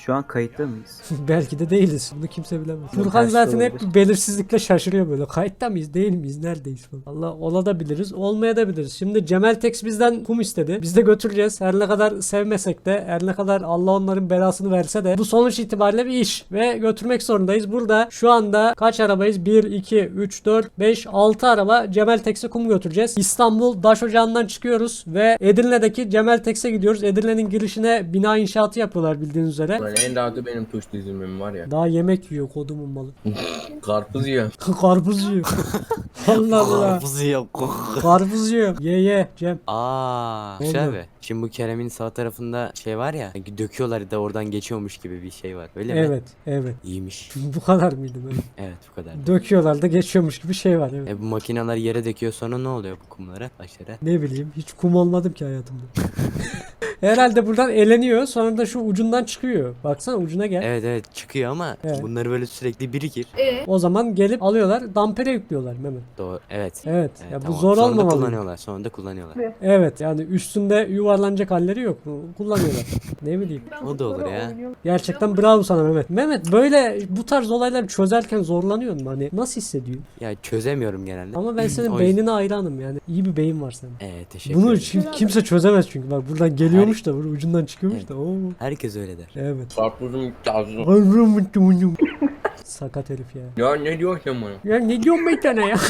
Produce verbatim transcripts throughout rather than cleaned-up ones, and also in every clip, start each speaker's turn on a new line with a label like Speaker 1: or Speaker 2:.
Speaker 1: Şu an kayıtta mıyız?
Speaker 2: Belki de değiliz. Bunu kimse bilemez.
Speaker 1: Yok,
Speaker 2: Furkan
Speaker 1: her şey
Speaker 2: zaten hep
Speaker 1: olabilir.
Speaker 2: bir belirsizlikle şaşırıyor böyle. Kayıtta mıyız, değil miyiz, neredeyiz falan. Allah olabiliriz, olmayabiliriz. Şimdi Cemeltex bizden kum istedi. Biz de götüreceğiz. Her ne kadar sevmesek de, her ne kadar Allah onların belasını verse de bu sonuç itibariyle bir iş ve götürmek zorundayız. Burada şu anda kaç arabayız? bir, iki, üç, dört, beş, altı araba Cemeltex'e kum götüreceğiz. İstanbul Daş Ocağı'ndan çıkıyoruz ve Edirne'deki Cemeltex'e gidiyoruz. Edirne'nin girişine bina inşaatı yapıyorlar bildiğiniz üzere.
Speaker 3: Lan en rahatı benim tuş dizimim var ya.
Speaker 2: Daha yemek yiyor kodumun malı.
Speaker 3: Karpuz yiyor.
Speaker 2: Karpuz yiyor. Allah Allah.
Speaker 4: Karpuz yok.
Speaker 2: Karpuz yiyor. Ye ye Cem.
Speaker 4: Aa,
Speaker 2: Oldu.
Speaker 4: şey abi. Şimdi bu Kerem'in sağ tarafında şey var ya, sanki döküyorlar da oradan geçiyormuş gibi bir şey var. Öyle mi?
Speaker 2: Evet, evet.
Speaker 4: İyiymiş.
Speaker 2: Bu kadar mıydı böyle?
Speaker 4: Evet, bu kadar.
Speaker 2: Döküyorlar da geçiyormuş gibi şey var. Evet.
Speaker 4: E bu makineler yere döküyor, sonra ne oluyor bu kumlara, taşlara?
Speaker 2: Ne bileyim, hiç kum olmadım ki hayatımda. Herhalde buradan eleniyor, sonra da şu ucundan çıkıyor. Baksana ucuna gel.
Speaker 4: Evet evet, çıkıyor ama
Speaker 2: Evet.
Speaker 4: bunları böyle sürekli birikir.
Speaker 2: O zaman gelip alıyorlar, dampere yüklüyorlar Mehmet.
Speaker 4: Doğru. Evet.
Speaker 2: Evet.
Speaker 4: Evet,
Speaker 2: Ya bu
Speaker 4: tamam.
Speaker 2: zor
Speaker 4: Sonra da
Speaker 2: olmamalı.
Speaker 4: kullanıyorlar. Sonra da kullanıyorlar.
Speaker 2: Evet, yani üstünde yuvarlanacak halleri yok. Kullanıyorlar. Ne bileyim.
Speaker 4: O da olur ya.
Speaker 2: Gerçekten bravo sana Mehmet. Mehmet böyle bu tarz olayları çözerken zorlanıyor mu? Hani nasıl hissediyorsun?
Speaker 4: Ya çözemiyorum genelde.
Speaker 2: Ama ben senin
Speaker 4: O yüzden-
Speaker 2: beynine hayranım yani. İyi bir beyin var senin.
Speaker 4: Evet, teşekkür
Speaker 2: Bunu
Speaker 4: ederim.
Speaker 2: çünkü kimse çözemez çünkü. Bak buradan geliyormuş da burada ucundan çıkıyormuş
Speaker 4: Evet.
Speaker 2: da. Oo.
Speaker 4: Herkes öyle der.
Speaker 2: Evet.
Speaker 3: Karpuzum kazım.
Speaker 2: Sakat herif ya.
Speaker 3: Ya ne diyorsun sen bana?
Speaker 2: Ya ne diyorsun bir tane ya?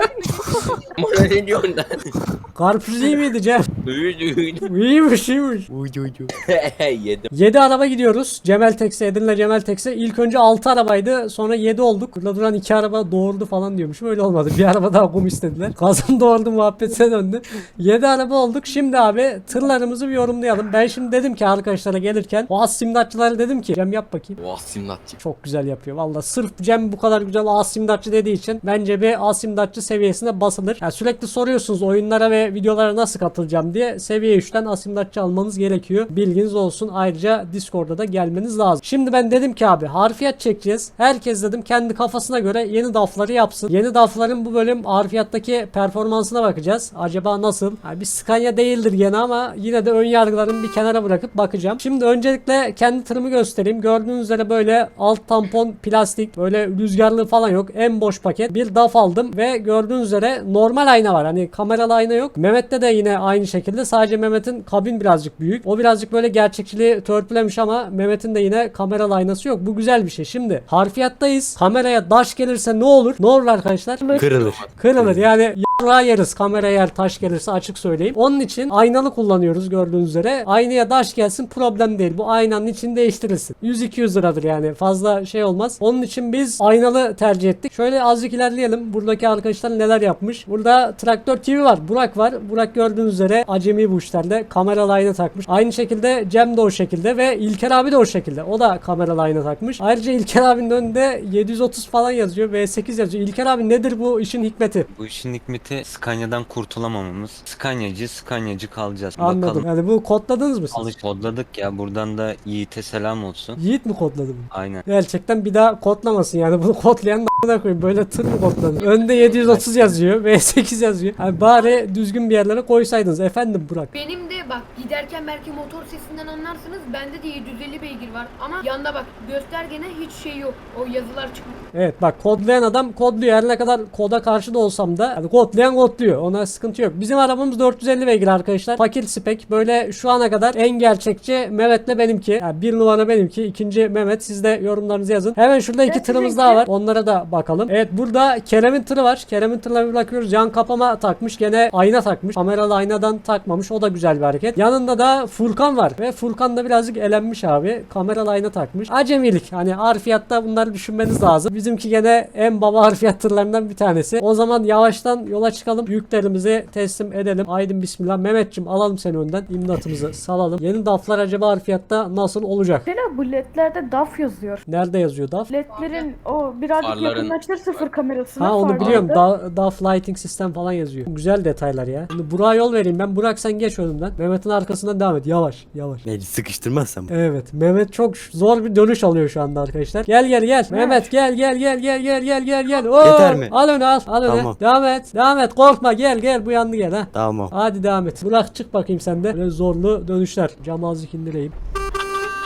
Speaker 3: Bana ne diyorsun lan?
Speaker 2: Karpuz iyi miydi Cem?
Speaker 3: Uyudu uyudu.
Speaker 2: İyiymiş iyiymiş.
Speaker 4: Uydu uydu.
Speaker 3: Yedim.
Speaker 2: yedi araba gidiyoruz. Cemeltex'e, Edirne Cemeltex'e. İlk önce altı arabaydı. Sonra yedi olduk. Burada duran iki araba doğurdu falan diyormuşum. Öyle olmadı. Bir araba daha kum istediler. Kazan doğurdu muhabbetine döndü. yedi araba olduk. Şimdi abi tırlarımızı bir yorumlayalım. Ben şimdi dedim ki arkadaşlara gelirken o az simdatçılara dedim ki Cem yap bakayım.
Speaker 3: Vah simlatçı.
Speaker 2: Çok güzel yapıyor. Valla sırf Cem bu kadar güzel asimdatçı dediği için bence bir asimdatçı seviyesine basılır. Yani sürekli soruyorsunuz oyunlara ve videolara nasıl katılacağım diye. Seviye üçten asimdatçı almanız gerekiyor. Bilginiz olsun. Ayrıca Discord'a da gelmeniz lazım. Şimdi ben dedim ki abi harfiyat çekeceğiz. Herkes dedim kendi kafasına göre yeni dafları yapsın. Yeni dafların bu bölüm harfiyattaki performansına bakacağız. Acaba nasıl? Yani bir Scania değildir gene ama yine de ön yargılarımı bir kenara bırakıp bakacağım. Şimdi öncelikle kendi tırımı göstereyim. Gördüğünüz üzere böyle alt tampon plastik, böyle rüzgarlı falan yok. En boş paket. Bir daf aldım ve gördüğünüz üzere normal ayna var. Hani kameralı ayna yok. Mehmet'te de yine aynı şekilde. Sadece Mehmet'in kabin birazcık büyük. O birazcık böyle gerçekçiliği törpülemiş ama Mehmet'in de yine kameralı aynası yok. Bu güzel bir şey. Şimdi harfiyattayız. Kameraya daş gelirse ne olur? Ne olur arkadaşlar?
Speaker 4: Kırılır.
Speaker 2: Kırılır. Yani yarrağı yeriz kamera yer taş gelirse açık söyleyeyim. Onun için aynalı kullanıyoruz gördüğünüz üzere. Aynaya taş gelsin problem değil. Bu aynanın için değiştirilsin. yüz iki yüz liradır yani. Fazla şey olmaz. Onun için biz aynalı tercih ettik. Şöyle azıcık ilerleyelim. Buradaki arkadaşlar neler yapmış. Burada Traktör T V var. Burak var. Burak gördüğünüz üzere acemi bu işlerde. Kameralı ayna takmış. Aynı şekilde Cem de o şekilde ve İlker abi de o şekilde. O da kameralı ayna takmış. Ayrıca İlker abinin önünde yedi yüz otuz falan yazıyor. V sekiz yazıyor. İlker abi nedir bu işin hikmeti?
Speaker 5: Bu işin hikmeti Scania'dan kurtulamamamız. Scania'cı, Scania'cı kalacağız.
Speaker 2: Anladım.
Speaker 5: Bakalım.
Speaker 2: Yani bu kodladınız mı siz?
Speaker 5: Alış kodladık ya. Buradan da Yiğit'e selam olsun.
Speaker 2: Yiğit mi kodladı bunu?
Speaker 5: Aynen.
Speaker 2: Gerçekten bir daha kodlamasın yani bunu kodlayan da koyayım böyle tır mı kodlanır? Önde yedi yüz otuz yazıyor, V sekiz yazıyor. Yani bari düzgün bir yerlere koysaydınız efendim Burak.
Speaker 6: Benim de bak giderken belki motor sesinden anlarsınız. Bende de yedi yüz elli beygir var ama yanda bak göstergene hiç şey yok. O yazılar çıkmıyor.
Speaker 2: Evet bak kodlayan adam kodluyor. Her ne kadar koda karşı da olsam da yani kodlayan kodluyor. Ona sıkıntı yok. Bizim arabamız dört yüz elli beygir arkadaşlar. Fakir spek. Böyle şu ana kadar en gerçekçi Mehmet'le benimki. Yani bir numara benimki. İkinci Mehmet. Siz de yorumlarınızı yazın. Hemen şurada iki tırımız daha var. Onlara da bakalım. Evet burada Kerem'in tırı var. Kerem'in tırına bir bakıyoruz. Yan kapama takmış. Gene ayna takmış. Kameralı aynadan takmamış. O da güzel bir hareket. Yanında da Furkan var. Ve Furkan da birazcık elenmiş abi. Kameralı ayna takmış. Acemilik. Hani harfiyatta bunları düşünmeniz lazım. Bizimki gene en baba harfiyat tırlarından bir tanesi. O zaman yavaştan yola çıkalım. Yüklerimizi teslim edelim. Aydın bismillah. Mehmetçim alalım seni önden. İmdatımızı salalım. Yeni daflar acaba harfiyatta nasıl olacak?
Speaker 7: Mesela bu ledlerde D A F yazıyor.
Speaker 2: Nerede yazıyor daf?
Speaker 7: Ledlerin o birazcık
Speaker 3: Farların-
Speaker 7: yakınlaştır sıfır kamerasına.
Speaker 2: Ha onu
Speaker 7: farlarda.
Speaker 2: biliyorum. Da, DAF lighting sistem falan yazıyor. Güzel detaylar ya. Şimdi Burak'a yol vereyim ben. Burak sen geç önümden. Mehmet'in arkasından devam et. Yavaş yavaş.
Speaker 4: Ne, sıkıştırmazsam.
Speaker 2: Evet. Mehmet çok zor bir dönüş alıyor şu anda arkadaşlar. Gel gel gel. Mehmet gel gel gel gel gel gel gel gel. Oo,
Speaker 4: Yeter mi?
Speaker 2: Al onu al. Al onu.
Speaker 4: Tamam.
Speaker 2: Devam et. Devam et. Korkma gel gel. Bu yandı gel ha.
Speaker 4: Tamam.
Speaker 2: Hadi devam et. Burak çık bakayım sen de. Böyle zorlu dönüşler. Camı azıcık indireyim.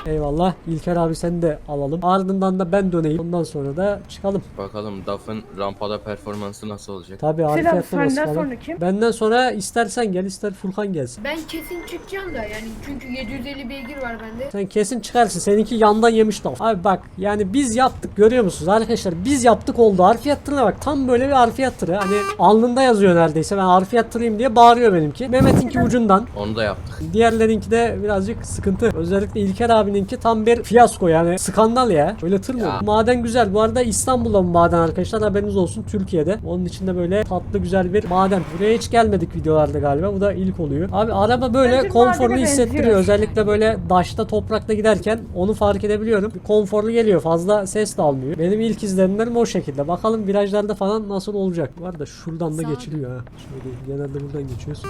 Speaker 2: Eyvallah. İlker abi seni de alalım. Ardından da ben döneyim. Ondan sonra da çıkalım.
Speaker 3: Bakalım D A F'ın rampada performansı nasıl olacak?
Speaker 2: Tabii
Speaker 7: Selam,
Speaker 2: Arifiyat'la
Speaker 7: senden
Speaker 2: basalım.
Speaker 7: sonra kim?
Speaker 2: Benden sonra istersen gel ister Furkan gelsin.
Speaker 6: Ben kesin çıkacağım da yani çünkü yedi yüz elli beygir var bende.
Speaker 2: Sen kesin çıkarsın. Seninki yandan yemiş daf. Abi bak yani biz yaptık görüyor musunuz arkadaşlar? Biz yaptık oldu. Harfiyat tırına bak. Tam böyle bir harfiyat tırı. Hani alnında yazıyor neredeyse. Ben harfiyat tırıyım diye bağırıyor benimki. Mehmet'inki ucundan.
Speaker 3: Onu da yaptık.
Speaker 2: Diğerlerinki de birazcık sıkıntı. Özellikle İlker abininki tam bir fiyasko yani. Skandal ya. Öyle tır mı
Speaker 3: Ya.
Speaker 2: olur? Maden güzel. Bu arada İstanbul'da bu maden arkadaşlar. Haberiniz olsun. Türkiye'de. Onun içinde böyle tatlı güzel bir maden. Buraya hiç gelmedik videolarda galiba. Bu da ilk oluyor. Abi araba böyle
Speaker 7: Bence
Speaker 2: konforlu
Speaker 7: madene
Speaker 2: hissettiriyor.
Speaker 7: benziyor.
Speaker 2: Özellikle böyle daşta toprakta giderken onu fark edebiliyorum. Konforlu geliyor. Fazla ses de almıyor. Benim ilk izlenimlerim o şekilde. Bakalım virajlarda falan nasıl olacak. Bu arada şuradan da
Speaker 6: Sağ-
Speaker 2: geçiliyor ha. Şöyle genelde buradan geçiyoruz.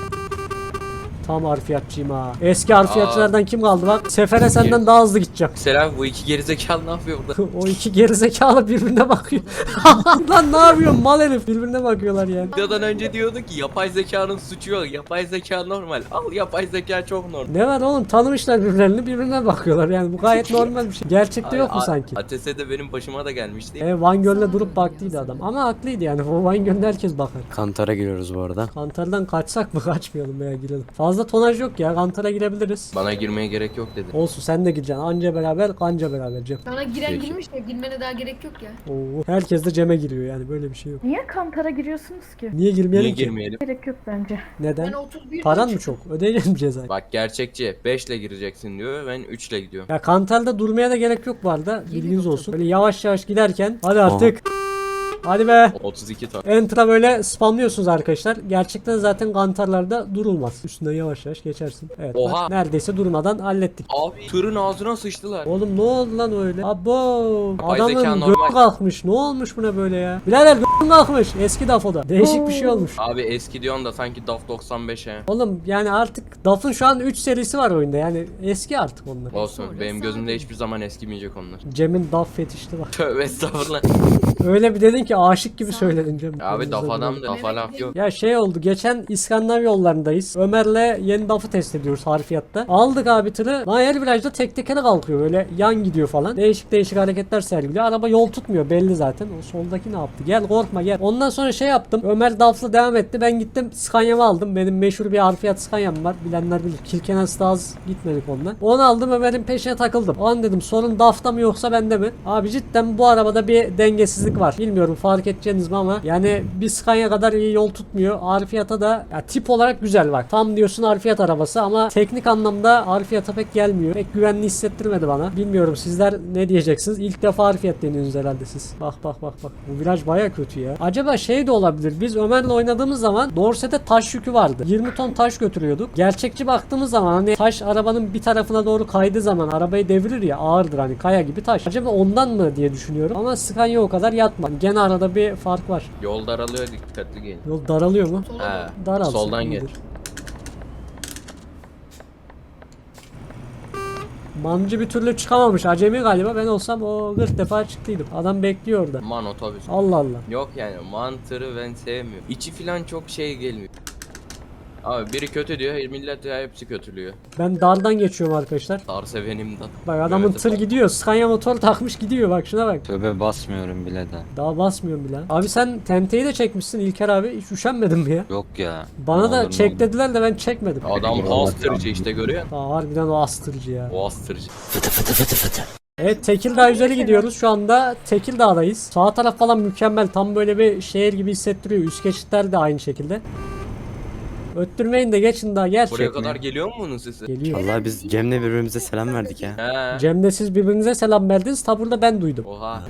Speaker 2: Tam harfiyatçıyım ha. Eski harfiyatçılardan kim kaldı bak. Sefere senden daha hızlı gideceğim.
Speaker 3: Selam, bu iki gerizekalı ne yapıyor burada?
Speaker 2: O iki gerizekalı birbirine bakıyor. Lan ne yapıyorsun mal herif? Birbirine bakıyorlar yani.
Speaker 3: Videodan önce diyordu ki yapay zekanın suçu yok. Yapay zeka normal. Al, yapay zeka çok normal.
Speaker 2: Ne var oğlum tanımışlar birbirlerini birbirine bakıyorlar yani bu gayet normal bir şey. Gerçekte yok mu
Speaker 3: A-
Speaker 2: sanki?
Speaker 3: A T S'de benim başıma da gelmişti.
Speaker 2: E, Van Göl'le durup baktıydı adam. Ama haklıydı yani. O Van Göl'de herkes bakar.
Speaker 4: Kantara giriyoruz bu arada.
Speaker 2: Kantardan kaçsak mı kaçmayalım veya girelim. Fazla tonaj yok ya. Kantara girebiliriz.
Speaker 3: Bana girmeye gerek yok dedi.
Speaker 2: Olsun sen de gireceksin. Anca beraber kanca beraber Cem.
Speaker 6: Sana giren
Speaker 3: Peki.
Speaker 6: girmiş de girmene daha gerek yok ya.
Speaker 2: Oo, herkes de Cem'e giriyor yani böyle bir şey yok.
Speaker 7: Niye Kantara giriyorsunuz ki?
Speaker 2: Niye girmeyelim
Speaker 3: Niye
Speaker 2: ki?
Speaker 3: girmeyelim?
Speaker 7: Gerek yok bence.
Speaker 2: Neden?
Speaker 6: Ben otuz bir
Speaker 2: Paran mı çok? Ödeyecek mi cezayı?
Speaker 3: Bak gerçekçi. beş ile gireceksin diyor. Ben üç ile gidiyorum.
Speaker 2: Ya Kantal'da durmaya da gerek yok bu arada. Bilginiz olsun. Böyle yavaş yavaş giderken hadi artık. Hadi be.
Speaker 3: otuz iki ton.
Speaker 2: Enter'a böyle spamlıyorsunuz arkadaşlar. Gerçekten zaten kantarlarda durulmaz. Üstünden yavaş yavaş geçersin. Evet.
Speaker 3: Oha.
Speaker 2: bak, neredeyse durmadan hallettik.
Speaker 3: Abi tırın ağzına sıçtılar.
Speaker 2: Oğlum ne oldu lan öyle? Abo.
Speaker 3: Yapay zeka
Speaker 2: Adamın
Speaker 3: normal.
Speaker 2: gö kalkmış. Ne olmuş buna böyle ya? Birader gö kalkmış. Eski Dafo'da. Değişik bir şey olmuş.
Speaker 3: Abi eski diyorsun da sanki D A F doksan beşe.
Speaker 2: Oğlum yani artık D A F'ın şu an üç serisi var oyunda. Yani eski artık onlar.
Speaker 3: Olsun. Benim gözümde hiçbir zaman eskimeyecek onlar.
Speaker 2: Cem'in D A F fetişti var.
Speaker 3: Tövbe estağfurullah.
Speaker 2: Öyle bir dedin ki aşık gibi söyledin Cem.
Speaker 3: Abi D A F adam da D A F laf yok.
Speaker 2: Ya şey oldu geçen İskandinav yollarındayız. Ömer'le yeni D A F'ı test ediyoruz harfiyatta. Aldık abi tırı. Lan her virajda tek tekere kalkıyor. Böyle yan gidiyor falan. Değişik değişik hareketler sergiliyor. Araba yol tutmuyor belli zaten. O soldaki ne yaptı? Gel korkma gel. Ondan sonra şey yaptım. Ömer D A F'la devam etti. Ben gittim Scania'mı aldım. Benim meşhur bir harfiyat Scania'm var. Bilenler bilir. Kirkenes'te az gitmedik ondan. Onu aldım Ömer'in peşine takıldım. O an dedim sorun D A F'ta mı yoksa bende mi? Abi cidden bu arabada bir dengesizlik var. Bilmiyorum fark edeceğiniz mi ama yani bir Scania kadar iyi yol tutmuyor. Harfiyata da ya tip olarak güzel bak. Tam diyorsun harfiyat arabası ama teknik anlamda harfiyata pek gelmiyor. Pek güvenli hissettirmedi bana. Bilmiyorum sizler ne diyeceksiniz? İlk defa harfiyat deniyorsunuz herhalde siz. Bak bak bak bak. Bu viraj baya kötü ya. Acaba şey de olabilir. Biz Ömer'le oynadığımız zaman Dorset'e taş yükü vardı. yirmi ton taş götürüyorduk. Gerçekçi baktığımız zaman hani taş arabanın bir tarafına doğru kaydığı zaman arabayı devirir ya ağırdır hani kaya gibi taş. Acaba ondan mı diye düşünüyorum. Ama Scania o kadar yatmadı. Gene arada bir fark var.
Speaker 3: Yol daralıyor, dikkatli gelin.
Speaker 2: Yol daralıyor mu?
Speaker 6: Sola
Speaker 3: He.
Speaker 6: doğru.
Speaker 2: Daralsın.
Speaker 3: Soldan gel.
Speaker 2: iyidir. Mancı bir türlü çıkamamış. Acemi galiba. Ben olsam o kırk defa çıktıydım. Adam bekliyor orada.
Speaker 3: Man otobüs.
Speaker 2: Allah Allah.
Speaker 3: Yok yani mantırı ben sevmiyorum. İçi filan çok şey gelmiyor. Abi biri kötü diyor, millet ya hepsi kötülüyor.
Speaker 2: Ben dardan geçiyorum arkadaşlar.
Speaker 3: Dar sevenimden.
Speaker 2: Bak adamın
Speaker 3: Evet,
Speaker 2: tır
Speaker 3: bak.
Speaker 2: gidiyor. Scania motor takmış gidiyor. Bak şuna bak.
Speaker 5: Tövbe basmıyorum bile de.
Speaker 2: Daha basmıyorum bile. Abi sen tenteyi de çekmişsin İlker abi. Hiç üşenmedin mi ya?
Speaker 5: Yok ya.
Speaker 2: Bana
Speaker 5: Ne
Speaker 2: da
Speaker 5: olur, ne
Speaker 2: çek
Speaker 5: olur.
Speaker 2: dediler de ben çekmedim.
Speaker 3: Adam astırıcı işte görüyor musun?
Speaker 2: Aa, harbiden o astırıcı ya.
Speaker 3: O astırıcı.
Speaker 2: Evet Tekirdağ üzeri gidiyoruz. Şu anda Tekirdağ'dayız. Sağ taraf falan mükemmel. Tam böyle bir şehir gibi hissettiriyor. Üst geçitler de aynı şekilde. Öttürmeyin de geçin daha gerçek.
Speaker 3: Buraya
Speaker 2: mi?
Speaker 3: kadar geliyor mu bunun sesi?
Speaker 2: Geliyor.
Speaker 4: Vallahi biz Cem'le birbirimize selam verdik ya.
Speaker 3: He.
Speaker 2: Cem'de siz birbirinize selam verdiniz. Taburda ben duydum.
Speaker 3: Oha.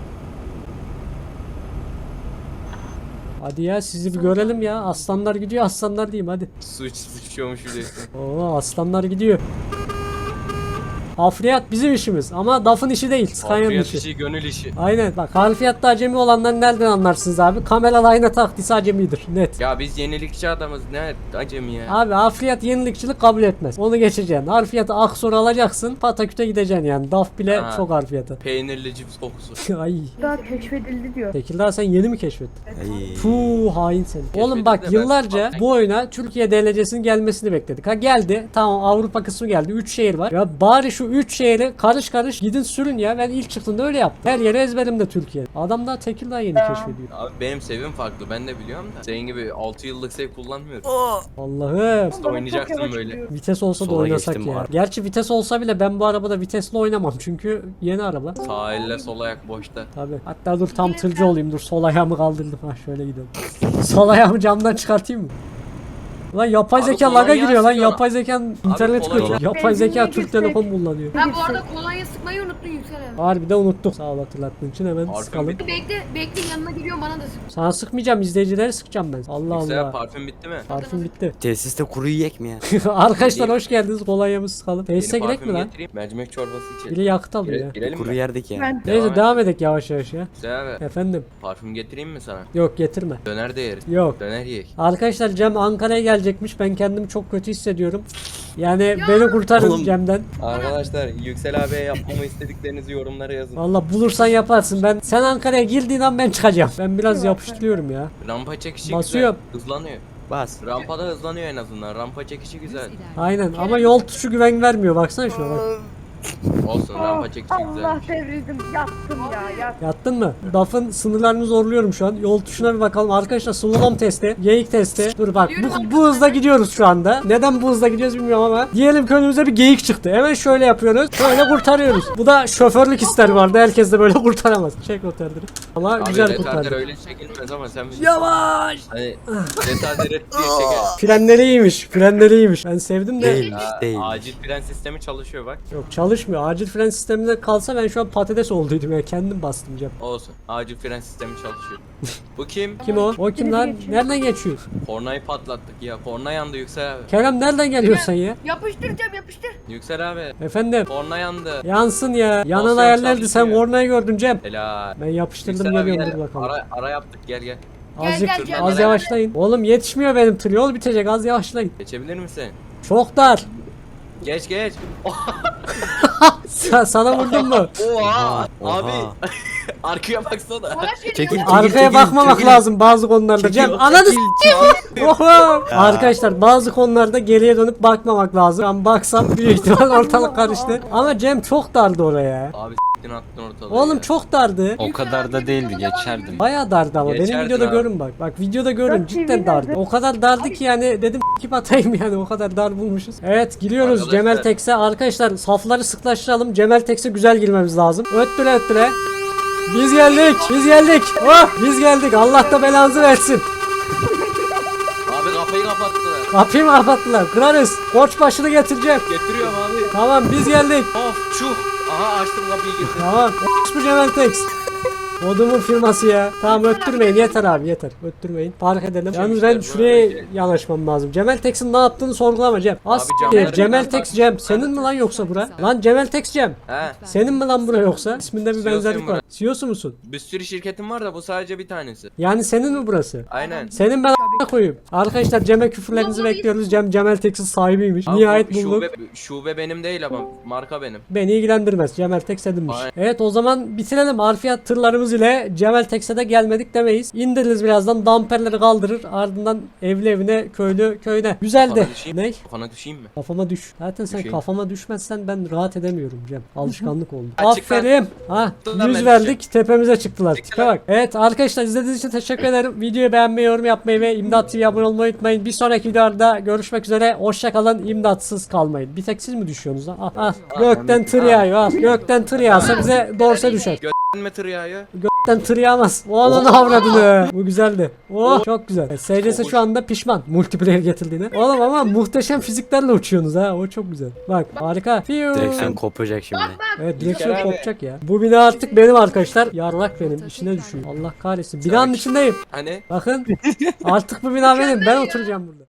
Speaker 2: Hadi ya sizi bir görelim ya. Aslanlar gidiyor aslanlar diyeyim hadi.
Speaker 3: Suç sıçıyormuş biliyorsun.
Speaker 2: Oo aslanlar gidiyor. Harfiyat bizim işimiz ama D A F'ın işi değil. Scania'nın
Speaker 3: Harfiyat
Speaker 2: işi.
Speaker 3: işi, gönül işi.
Speaker 2: Aynen bak harfiyatta acemi olanları nereden anlarsınız abi? Kameralı ayna taktıysa acemidir net.
Speaker 3: Ya biz yenilikçi adamız, ne acemi ya.
Speaker 2: Abi harfiyat yenilikçilik kabul etmez. Onu geçeceksin. Harfiyatı aksoru alacaksın. Pataküte gideceksin yani. D A F bile
Speaker 3: Ha.
Speaker 2: çok harfiyatı.
Speaker 3: Peynirli cips kokusu.
Speaker 2: Ay.
Speaker 7: Daha keşfedildi diyor.
Speaker 2: Tekirdağ sen yeni mi keşfettin?
Speaker 4: Ay.
Speaker 2: Puh hain seni. Oğlum bak
Speaker 3: de ben-
Speaker 2: yıllarca bu oyuna Türkiye D L C'sinin gelmesini bekledik. Ha geldi. Tamam Avrupa kısmı geldi. üç şehir var. Ya bari şu şu üç şehri karış karış gidin sürün ya. Ben ilk çıktığımda öyle yaptım. Her yere ezberimde Türkiye. Adam da Tekirdağ yeni keşfediyor.
Speaker 3: Abi benim sevim farklı ben de biliyorum da. Senin gibi altı yıllık sev kullanmıyorum.
Speaker 2: Allah'ım.
Speaker 3: İşte oynayacaksın
Speaker 7: Çok yavaş
Speaker 3: böyle.
Speaker 7: gidiyor.
Speaker 2: Vites olsa da
Speaker 4: Sola
Speaker 2: oynasak
Speaker 4: geçtim
Speaker 2: ya.
Speaker 4: var.
Speaker 2: Gerçi vites olsa bile ben bu arabada vitesle oynamam çünkü yeni araba.
Speaker 3: Sağ elle sol ayak boşta.
Speaker 2: Tabii. Hatta dur tam tırcı olayım. Dur sol ayağımı kaldırdım. Ha şöyle gidelim. Sol ayağımı camdan çıkartayım mı? Lan yapay
Speaker 3: Abi
Speaker 2: zeka
Speaker 3: kolonya
Speaker 2: laga giriyor lan.
Speaker 3: sıkıyor.
Speaker 2: Yapay zeka internet
Speaker 3: kolonya-
Speaker 2: kötü. Yapay zeka
Speaker 7: Benzinliğe
Speaker 2: Türk
Speaker 7: girsek.
Speaker 2: Telekom kullanıyor.
Speaker 6: Ha bu arada kolonya sıkmayı unuttun Yüksel abi.
Speaker 2: Harbiden unuttuk. Sağ ol hatırlattığın için hemen
Speaker 3: Parfüm
Speaker 2: sıkalım.
Speaker 3: bitti.
Speaker 6: Bekle bekle yanına geliyor bana da sık.
Speaker 2: Sana sıkmayacağım, izleyicileri sıkacağım ben. Allah
Speaker 3: Yüksel
Speaker 2: Allah.
Speaker 3: parfüm bitti mi?
Speaker 2: Parfüm bitti.
Speaker 4: Tesiste kuru yiyek mi ya?
Speaker 2: Arkadaşlar hoş geldiniz. Kolonyamızı sıkalım. Tesise
Speaker 3: Yeni
Speaker 2: girek mi
Speaker 3: parfüm
Speaker 2: lan?
Speaker 3: getireyim. Mercimek çorbası içelim.
Speaker 2: Biri yakıt alıyor
Speaker 3: Gire-
Speaker 2: ya.
Speaker 3: Girelim
Speaker 4: Kuru
Speaker 3: mi?
Speaker 4: yerdik ya.
Speaker 7: Ben
Speaker 2: Neyse
Speaker 3: Devam
Speaker 2: devam edek yavaş yavaş ya.
Speaker 3: Yüksel abi
Speaker 2: Efendim.
Speaker 3: parfüm getireyim mi sana?
Speaker 2: Yok getirme.
Speaker 3: Döner de yeriz.
Speaker 2: Yok.
Speaker 3: Döner yiyek.
Speaker 2: Arkadaşlar Cem Ankara'ya gelecekmiş. Ben kendimi çok kötü hissediyorum. Yani beni kurtarın
Speaker 4: Oğlum.
Speaker 2: Cem'den.
Speaker 3: Arkadaşlar Yüksel abiye yapmamı istediklerinizi yorumlara yazın.
Speaker 2: Valla bulursan yaparsın. Ben sen Ankara'ya girdiğin an ben çıkacağım. Ben biraz yapıştırıyorum ya.
Speaker 3: Rampa çekişi
Speaker 2: Basıyorum.
Speaker 3: güzel. Hızlanıyor.
Speaker 4: Bas.
Speaker 3: Rampada hızlanıyor en azından. Rampa çekişi güzel.
Speaker 2: Aynen ama yol tuşu güven vermiyor. Baksana şuna bak.
Speaker 3: Olsun rampa çekişi
Speaker 7: Allah
Speaker 3: güzel.
Speaker 7: devrildim. Yattım ya. Yattım.
Speaker 2: Yattın mı? D A F'ın sınırlarını zorluyorum şu an. Yol tuşuna bir bakalım. Arkadaşlar slalom testi, geyik testi. Dur bak bu, bu hızla gidiyoruz şu anda. Neden bu hızla gidiyoruz bilmiyorum ama. Diyelim ki önümüze bir geyik çıktı. Hemen şöyle yapıyoruz. Böyle kurtarıyoruz. Bu da şoförlük ister vardı. Herkes de böyle kurtaramaz. Çek kurtardır. Ama
Speaker 3: Abi
Speaker 2: güzel
Speaker 3: retarder
Speaker 2: kurtardı.
Speaker 3: öyle çekilmez ama sen bilirsin.
Speaker 2: Yavaş.
Speaker 3: Hani retarder et diye çeker.
Speaker 2: Frenleri iyiymiş. Frenleri iyiymiş. Ben sevdim de.
Speaker 4: Değilmiş
Speaker 3: Aa,
Speaker 4: değil.
Speaker 3: acil fren sistemi çalışıyor bak.
Speaker 2: Yok çalışmıyor. Acil fren sisteminde kalsa ben şu an patates olduydum ya. Kendim bastım Cem.
Speaker 3: Olsun. Acil fren sistemi çalışıyor. Bu kim?
Speaker 2: Kim o? O kim lan?
Speaker 7: geçiyor.
Speaker 2: Nereden geçiyor?
Speaker 3: Kornayı patlattık ya. Korna yandı Yüksel abi.
Speaker 2: Kerem nereden geliyorsun ya?
Speaker 6: Yapıştıracağım yapıştır.
Speaker 3: Yüksel abi.
Speaker 2: Efendim.
Speaker 3: Korna yandı.
Speaker 2: Yansın ya. Yanan
Speaker 3: Basıyorum,
Speaker 2: hayallerdi. Sen
Speaker 3: çalışıyor.
Speaker 2: kornayı gördün Cem.
Speaker 3: Helal.
Speaker 2: Ben yapıştırdım
Speaker 3: Yüksel abi
Speaker 2: geliyorum
Speaker 3: gel.
Speaker 2: dur bakalım.
Speaker 3: Ara, ara yaptık gel gel.
Speaker 2: Azıcık
Speaker 6: Gel, gel,
Speaker 2: az
Speaker 6: gel.
Speaker 2: yavaşlayın. Oğlum yetişmiyor benim tır. Yol bitecek az yavaşlayın.
Speaker 3: Geçebilir misin?
Speaker 2: Çok dar.
Speaker 3: Geç geç.
Speaker 2: Sa- sana vurdum mu?
Speaker 3: Oha.
Speaker 4: Oha.
Speaker 3: Abi. Arkaya baksana.
Speaker 6: Bana şey
Speaker 4: Çekil,
Speaker 6: diyor.
Speaker 4: çekil.
Speaker 2: Arkaya bakmamak
Speaker 4: çekil.
Speaker 2: lazım bazı konularda. Cem ananı s**eyim. Oho. Arkadaşlar bazı konularda geriye dönüp bakmamak lazım. Ben baksam büyük ihtimal ortalık karıştı. Ama Cem çok dardı oraya.
Speaker 3: Abi s**tin attın ortalığı
Speaker 2: Oğlum
Speaker 3: ya.
Speaker 2: çok dardı.
Speaker 5: O kadar da değildi, geçerdim.
Speaker 2: Bayağı dardı ama benim
Speaker 3: Geçerdin
Speaker 2: videoda
Speaker 3: abi.
Speaker 2: görün bak. Bak videoda görün
Speaker 7: Dört
Speaker 2: cidden
Speaker 7: T V
Speaker 2: dardı.
Speaker 7: nerede?
Speaker 2: O kadar dardı ki yani dedim kip atayım yani o kadar dar bulmuşuz. Evet giriyoruz
Speaker 3: Arkadaşlar.
Speaker 2: Cemel Tex'e. Arkadaşlar safları sıklaştıralım. Cemel Tex'e güzel girmemiz lazım. Öttüre öttüre. Biz geldik. Biz geldik. Oh biz geldik. Allah da belanızı versin.
Speaker 3: Abi kafayı kapattılar.
Speaker 2: Kapıyı mı kapattılar? Kırarız. Koç başını getireceğim.
Speaker 3: Getiriyorum abi.
Speaker 2: Tamam biz geldik.
Speaker 3: Of çuh. Aha açtım kapıyı getirdim.
Speaker 2: Tamam. Bu Cemel Tex. Odumun firması ya. Tamam öttürmeyin yeter abi yeter. Öttürmeyin. Park edelim. Yalnız ben
Speaker 3: işler
Speaker 2: şuraya
Speaker 3: böyle.
Speaker 2: yanaşmam lazım. Cemel Tex'in ne yaptığını sorgulama Cem. As
Speaker 3: camları
Speaker 2: Cemel
Speaker 3: biraz
Speaker 2: Tex
Speaker 3: bak.
Speaker 2: Cem. Senin mi lan yoksa bura? Lan Cemel Tex Cem.
Speaker 3: He.
Speaker 2: Senin mi lan bura yoksa? İsminde bir
Speaker 3: C E O'suyum
Speaker 2: benzerlik var.
Speaker 3: bura.
Speaker 2: C E O'su musun?
Speaker 3: Bir sürü şirketim var da bu sadece bir tanesi.
Speaker 2: Yani senin mi burası?
Speaker 3: Aynen.
Speaker 2: Senin ben a**ına koyayım. Arkadaşlar Cem'e küfürlerinizi bekliyoruz. Cem Cemel Tex'in sahibiymiş.
Speaker 3: Abi
Speaker 2: Nihayet
Speaker 3: bu
Speaker 2: bulduk.
Speaker 3: Şube, şube benim değil ama marka benim.
Speaker 2: Beni ilgilendirmez. Cemel Tex edinmiş.
Speaker 3: Aynen.
Speaker 2: Evet o zaman bitirelim. Harfiyat tırlarımız ile Cemel Tex'e de gelmedik demeyiz. İndiririz birazdan. Damperleri kaldırır. Ardından evli evine, köylü köyüne. Güzeldi.
Speaker 3: Kafana düşeyim.
Speaker 2: Ne?
Speaker 3: Kafana düşeyim mi?
Speaker 2: Kafama düş. Zaten sen
Speaker 3: Düşeyim.
Speaker 2: kafama düşmezsen ben rahat edemiyorum Cem. Alışkanlık oldu.
Speaker 3: Açık lan.
Speaker 2: Aferin. Ha,
Speaker 3: Dur lan
Speaker 2: yüz
Speaker 3: ben
Speaker 2: verdik. Tepemize çıktılar.
Speaker 3: Çıktı
Speaker 2: Tipe
Speaker 3: lan.
Speaker 2: bak. Evet arkadaşlar izlediğiniz için teşekkür ederim. Videoyu beğenmeyi, yorum yapmayı ve İmdat T V'ye abone olmayı unutmayın. Bir sonraki videoda görüşmek üzere. Hoşça kalın. İmdatsız kalmayın. Bir tek siz mi düşüyorsunuz lan? Al, al. Gökten tır yağıyor. Al. Gökten tır yağsa bize dorse düşer.
Speaker 3: Götünme tır yağıyor.
Speaker 2: Gökten tır yağmaz. O ananı avradını. Bu güzeldi. Oh çok güzel. Evet, S C S şu anda pişman multiplayer getirdiğine. Oğlum ama muhteşem fiziklerle uçuyorsunuz ha. O çok güzel. Bak harika. Fiu.
Speaker 4: Direksiyon kopacak şimdi.
Speaker 2: Evet direksiyon
Speaker 3: İlker abi.
Speaker 2: kopacak ya. Bu bina artık benim arkadaşlar. Yarlak benim. İçine düşüyor. Allah kahretsin. Binanın içindeyim.
Speaker 3: Hani?
Speaker 2: Bakın. Artık bu bina benim. Ben oturacağım burada.